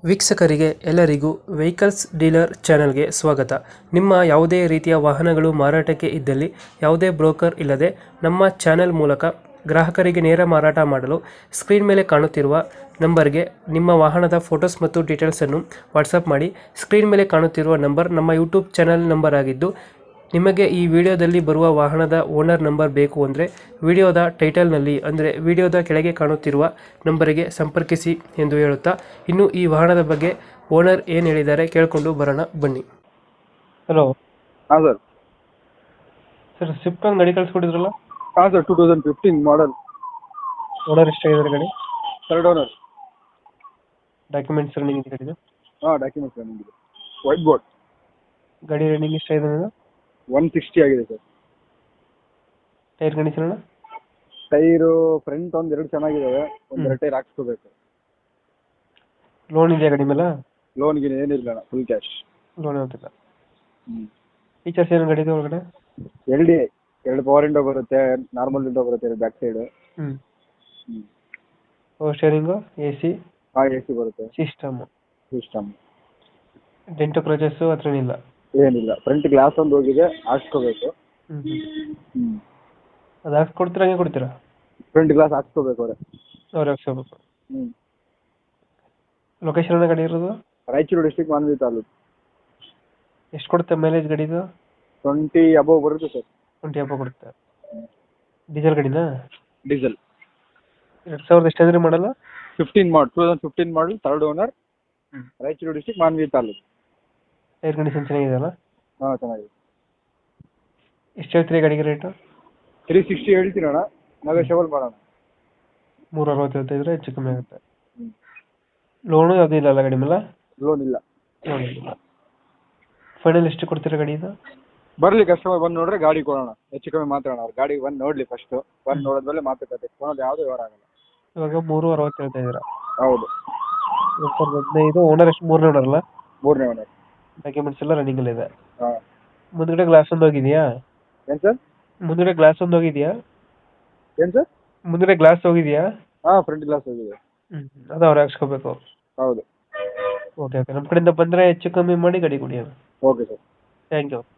ವೀಕ್ಷಕರಿಗೆ ಎಲ್ಲರಿಗೂ vehicles dealer ಚಾನೆಲ್ಗೆ ಸ್ವಾಗತ. ನಿಮ್ಮ ಯಾವುದೇ ರೀತಿಯ ವಾಹನಗಳು ಮಾರಾಟಕ್ಕೆ ಇದ್ದಲ್ಲಿ ಯಾವುದೇ ಬ್ರೋಕರ್ ಇಲ್ಲದೆ ನಮ್ಮ ಚಾನೆಲ್ ಮೂಲಕ ಗ್ರಾಹಕರಿಗೆ ನೇರ ಮಾರಾಟ ಮಾಡಲು ಸ್ಕ್ರೀನ್ ಮೇಲೆ ಕಾಣುತ್ತಿರುವ ನಂಬರ್ಗೆ ನಿಮ್ಮ ವಾಹನದ ಫೋಟೋಸ್ ಮತ್ತು ಡೀಟೇಲ್ಸನ್ನು ವಾಟ್ಸಪ್ ಮಾಡಿ. ಸ್ಕ್ರೀನ್ ಮೇಲೆ ಕಾಣುತ್ತಿರುವ ನಂಬರ್ ನಮ್ಮ ಯೂಟ್ಯೂಬ್ ಚಾನೆಲ್ ನಂಬರ್ ಆಗಿದ್ದು, ನಿಮಗೆ ಈ ವಿಡಿಯೋದಲ್ಲಿ ಬರುವ ವಾಹನದ ಓನರ್ ನಂಬರ್ ಬೇಕು ಅಂದರೆ ವಿಡಿಯೋದ ಟೈಟಲ್ನಲ್ಲಿ ಅಂದರೆ ವಿಡಿಯೋದ ಕೆಳಗೆ ಕಾಣುತ್ತಿರುವ ನಂಬರಿಗೆ ಸಂಪರ್ಕಿಸಿ ಎಂದು ಹೇಳುತ್ತಾ, ಇನ್ನು ಈ ವಾಹನದ ಬಗ್ಗೆ ಓನರ್ ಏನು ಹೇಳಿದ್ದಾರೆ ಕೇಳಿಕೊಂಡು ಬರೋಣ ಬನ್ನಿ. ಹಲೋ ಹಾಂ ಸರ್. ಸರ್, ಸ್ವಿಫ್ಟ್ ಒಂದು ಗಾಡಿ ಕಳಿಸ್ಕೊಟ್ಟಿದ್ರಲ್ಲ? ಹಾಂ ಸರ್, 2015 ಮಾಡಲ್. ಓನರ್ ಎಷ್ಟಾಗಿದ್ದಾರೆ ಗಾಡಿ? Third owner. ಡಾಕ್ಯುಮೆಂಟ್ಸ್ ರನ್ನಿಂಗ್ ಇದೆ ಗಾಡಿದು? ಹಾಂ, ಡಾಕ್ಯುಮೆಂಟ್ಸ್ ರನ್ನಿಂಗ್ ಇದೆ. White board. ಗಾಡಿ ರನ್ನಿಂಗ್ ಎಷ್ಟಾಗಿದೆ? 160 ಆಗಿದೆ ಸರ್. Tyre condition? ಟೈರು ಫ್ರಂಟ್ ಒಂದೆರಡು ಚೆನ್ನಾಗಿದ್ದಾವೆ, ಒಂದೆರಡು ಟೈರ್ ಹಾಕ್ಸ್ಕೋಬೇಕು. ಲೋನ್ ಇದೆಯಾ ಗಾಡಿ ಮೇಲೆ? ಲೋನ್ಗೆ ಏನಿಲ್ಲ ಅಣ್ಣ, ಫುಲ್ ಕ್ಯಾಶ್. ಲೋನ್ ಯಾವ್ದಿಲ್ಲ. ಫೀಚರ್ಸ್ ಏನು ಗಾಡಿದು ಒಳಗಡೆ? LDI 2 ಪವರ್ ವಿಂಡೋ ಬರುತ್ತೆ, ನಾರ್ಮಲ್ ವಿಂಡೋ ಬರುತ್ತೆ back side. Power steering, AC? ಹಾಂ, AC ಬರುತ್ತೆ. ಸಿಸ್ಟಮ್. ಡೆಂಟು ಕ್ರಚಸ್ಸು ಹತ್ರ ಏನಿಲ್ಲ? ಏನಿಲ್ಲ. ಫ್ರಂಟ್ ಗ್ಲಾಸ್ ಒಂದು ಹೋಗಿದೆ, ಹಾಕ್ಸ್ಕೋಬೇಕು. ಅದು ಹಾಕ್ಸ್ಕೊಡ್ತೀರಾ, ಹಂಗೆ ಕೊಡ್ತೀರಾ? ಫ್ರಂಟ್ ಗ್ಲಾಸ್ ಹಾಕ್ಸ್ಕೋಬೇಕು ಅವ್ರು ಹಾಕ್ಸ್ಕೋಬೇಕು. ಲೊಕೇಶನ್ ಗಾಡಿ ಇರೋದು? ರಾಯಚೂರು ಡಿಸ್ಟ್ರಿಕ್ಟ್, ಮಾನ್ವಿ ತಾಲೂಕು. ಎಷ್ಟು ಕೊಡುತ್ತೆ ಮೈಲೇಜ್ ಗಾಡಿದು? 20 ಅಬೋವ್ ಬರುತ್ತೆ ಸರ್. 20 ಅಪ್ಪ ಕೊಡುತ್ತೆ. ಡೀಸೆಲ್ ಗಾಡಿನಾ? ಡೀಸೆಲ್. 2000 ಎಷ್ಟಾದ್ರೆ ಮಾಡಲ್ಲ? 2015 model, third owner, Raichur district, Manvi taluk. Tyre condition ಚೆನ್ನಾಗಿದೆಯಲ್ಲ? ಹಾಂ, ಚೆನ್ನಾಗಿದೆ. ಎಷ್ಟು ಹೇಳ್ತೀರಿ ಗಾಡಿಗೆ ರೇಟು? 360 ಹೇಳ್ತೀನಿ ಅಣ್ಣ, ನೆಗೋಷಿಯಬಲ್ ಮಾಡೋಣ. 360 ಹೇಳ್ತಿದ್ರೆ ಹೆಚ್ಚು ಕಮ್ಮಿ ಆಗುತ್ತೆ. ಲೋನು ಯಾವುದೂ ಇಲ್ಲ ಅಲ್ಲ ಗಾಡಿ ಮೇಲೆ? ಲೋನ್ ಇಲ್ಲ. ಲೋನ್ ಇಲ್ಲ. ಫೈನಲ್ ಎಷ್ಟು ಕೊಡ್ತೀರಾ ಗಾಡಿದು? ಬರಲಿ, ಕಸ್ಟಮರ್ ಬಂದು ನೋಡ್ರೆ ಗಾಡಿ ಕೊಡೋಣ, ಹೆಚ್ಚು ಕಮ್ಮಿ ಮಾತಾಡೋಣ. ಅವ್ರು ಗಾಡಿ ಬಂದು ನೋಡಲಿ ಫಸ್ಟು, ಬಂದು ನೋಡಿದ್ಮೇಲೆ ಮಾತುಕತೆ. ಕೊಡೋದು ಯಾವುದೂ ವ್ಯವಹಾರ ಆಗಲ್ಲ. ಇವಾಗ 360 ಹೇಳ್ತಾ ಇದ್ದೀರಾ? ಹೌದು. 2015. ಓನರ್ ಎಷ್ಟು? ಮೂರನೇ ಓನರ್ ಅಲ್ಲ? ಮೂರನೇ ಓನರ್. ಡಾಕ್ಯುಮೆಂಟ್ಸ್ ಎಲ್ಲ ರನ್ನಿಂಗ್ ಇದೆ? ಹಾಂ. ಮುಂದ್ಗಡೆ ಗ್ಲಾಸ್ ಒಂದು ಹೋಗಿದೆಯಾ? ಏನು ಸರ್? ಮುಂದ್ಗಡೆ ಗ್ಲಾಸ್ ಒಂದು ಹೋಗಿದೆಯಾ? ಏನು ಸರ್? ಮುಂದ್ಗಡೆ ಗ್ಲಾಸ್ ಹೋಗಿದೆಯಾ? ಹಾಂ, ಫ್ರಂಟ್ ಗ್ಲಾಸ್ ಹೋಗಿದೆ. ಅದು ಅವ್ರು ಹಾಕ್ಸ್ಕೋಬೇಕು? ಹೌದು. ಓಕೆ, ನಮ್ಮ ಕಡೆಯಿಂದ ಬಂದರೆ ಹೆಚ್ಚು ಕಮ್ಮಿ ಮಾಡಿ ಗಾಡಿ ಕೊಡಿ. Okay sir. Thank you.